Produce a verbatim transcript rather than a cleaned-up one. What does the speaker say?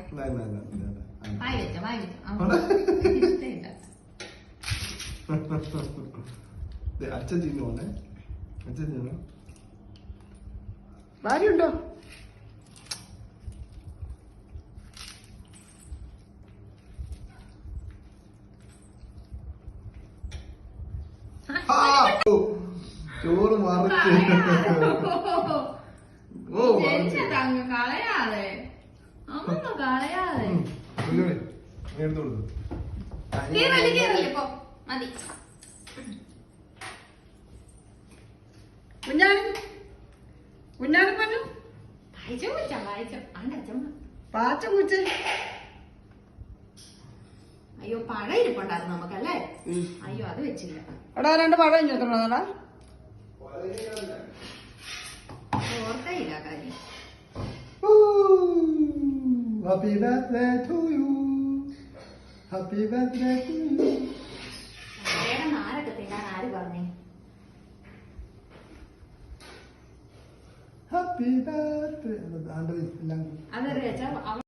അച്ഛൻ ചെയ്യുന്നു പോണേ അച്ഛൻ ചെയ്യുന്നു ഭാര്യയുണ്ടോ ചോറ് മറിച്ച് ഓ കളയാതെ അമ്മ കളയാതെ എടുത്തു കൊടുത്തു കുഞ്ഞാനും കുഞ്ഞാനും പറഞ്ഞു പാച്ച പൂച്ച അയ്യോ പഴം ഇരിപ്പുണ്ടായിരുന്നു നമുക്കല്ലേ അയ്യോ അത് വെച്ചില്ല എടാ രണ്ട് പഴം ചോദിക്കണോടാ ഓർക്കയില്ല കാര്യം Happy birthday to you. Happy birthday to you. നാരൊക്കെ തിന്നാൻ ആര് പറഞ്ഞേ Happy birthday. അതറിയാ